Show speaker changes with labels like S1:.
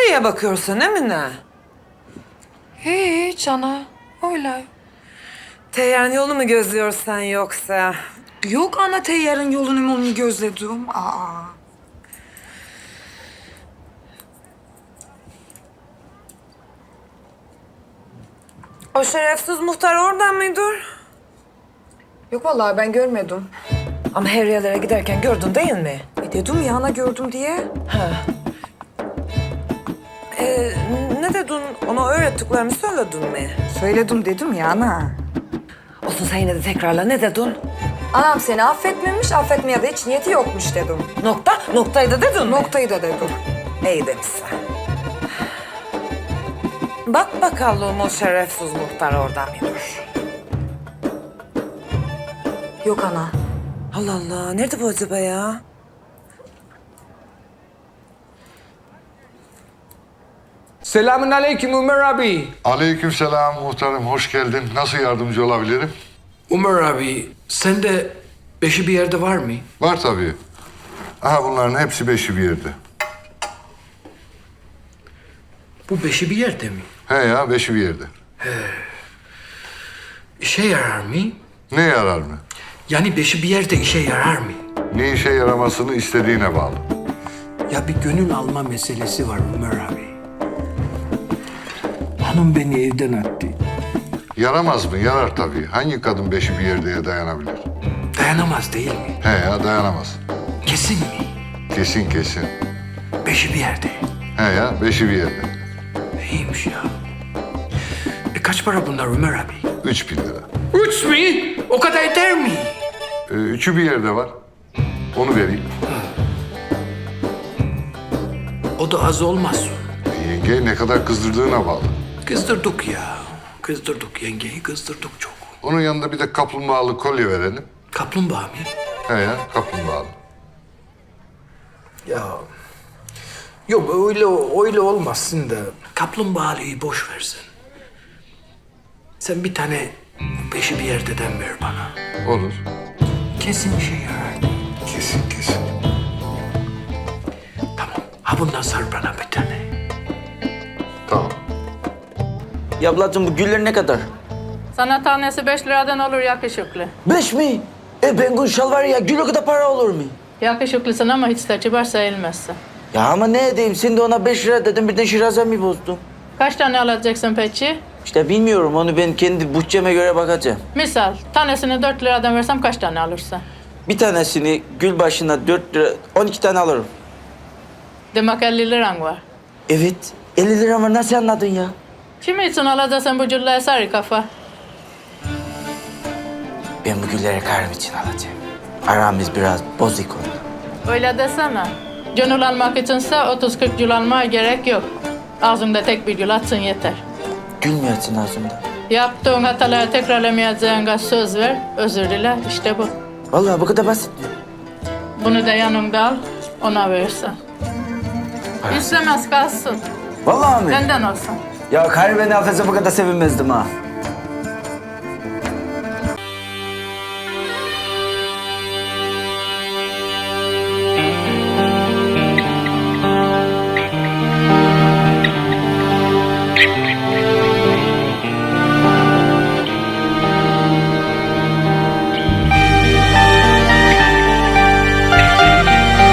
S1: Nereye bakıyorsun Emine?
S2: Hiç ana. Öyle.
S1: Teyyarın yolu mu gözlüyorsan yoksa?
S2: Yok ana teyyarın yolunu mu gözledim? Aa.
S1: O şerefsiz muhtar oradan mıdır?
S2: Yok vallahi ben görmedim.
S1: Ama her yerlere giderken gördün değil mi?
S2: Dedim ya ana gördüm diye.
S1: Ha. Ne dedin? Ona öğrettiklerimi söyledin mi?
S2: Söyledim dedim ya ana.
S1: Olsun sen yine de tekrarla. Ne dedin?
S2: Anam seni affetmemiş, affetmeye de hiç niyeti yokmuş dedim.
S1: Nokta? Noktayı da dedin mi?
S2: Noktayı da dedim.
S1: İyi demişsin. Bak bakalım o şerefsiz muhtar orada mıdır?
S2: Yok ana.
S1: Allah Allah. Nerede bu acaba ya?
S3: Selamun aleyküm Ömer abi.
S4: Aleykümselam muhtarım, hoş geldin. Nasıl yardımcı olabilirim?
S3: Ömer abi, sende beşi bir yerde var mı?
S4: Var tabii. Aha bunların hepsi beşi bir yerde.
S3: Bu beşi bir yerde mi?
S4: He ya, beşi bir yerde.
S3: İşe yarar mı?
S4: Ne yarar mı?
S3: Yani beşi bir yerde işe yarar mı?
S4: Ne işe yaramasını istediğine bağlı.
S3: Ya bir gönül alma meselesi var Ömer abi. Hanım beni evden attı.
S4: Yaramaz mı? Yarar tabii. Hangi kadın beşi bir yerdeye dayanabilir?
S3: Dayanamaz değil mi?
S4: He ya, dayanamaz.
S3: Kesin mi?
S4: Kesin kesin.
S3: Beşi bir yerde.
S4: He ya, beşi bir yerde.
S3: İyiymiş ya. Kaç para bunlar Ömer abi?
S4: 3.000 lira.
S3: 3 mi? O kadar eder mi?
S4: Üçü bir yerde var. Onu vereyim.
S3: O da az olmaz.
S4: Yenge ne kadar kızdırdığına bağlı.
S3: Kızdırdık ya. Kızdırdık yengeyi, kızdırdık çok.
S4: Onun yanında bir de kaplumbağalı kolye verelim.
S3: Kaplumbağa mı?
S4: He ya, kaplumbağalı.
S3: Ya yok öyle olmasın da kaplumbağalıyı boş versin. Sen bir tane beşi bir yerdeden ver bana.
S4: Olur.
S3: Kesin işe yarar.
S4: Kesin kesin.
S3: Tamam. Ha bundan sar bana bir tane.
S4: Tamam.
S5: Ya ablacığım bu güller ne kadar?
S6: Sana tanesi 5 liradan olur yakışıklı.
S5: 5 mi? Bengun şal var ya gül o kadar para olur mu?
S6: Yakışıklısın ama hiç de kibar sayılmazsın.
S5: Ya ama ne edeyim sen de ona 5 lira dedim birden şirazemi bozdun.
S6: Kaç tane alacaksın peki?
S5: İşte bilmiyorum onu ben kendi bütçeme göre bakacağım.
S6: Misal tanesini 4 liradan versem kaç tane alırsın?
S5: Bir tanesini gül başına 4 lira 12 tane alırım.
S6: Demek 50 liran var.
S5: Evet 50 lira var nasıl anladın ya?
S6: Kimi için alacaksın bu cülleye sarı kafa?
S5: Ben bu gülleri karım için alacağım. Aramız biraz bozuk oldu.
S6: Öyle desene. Gönül almak içinse 30-40 gül almaya gerek yok. Ağzında tek bir gül atsın yeter.
S5: Gül mü açsın ağzımda?
S6: Yaptığın hataları tekrarlamayacağına söz ver, özür dile, işte bu.
S5: Vallahi bu kadar basit mi?
S6: Bunu da yanında al, ona verirsen. İstemez kalsın,
S5: Vallahi mi?
S6: benden olsun.
S5: Ya karı beni affetse bu kadar sevinmezdim ha.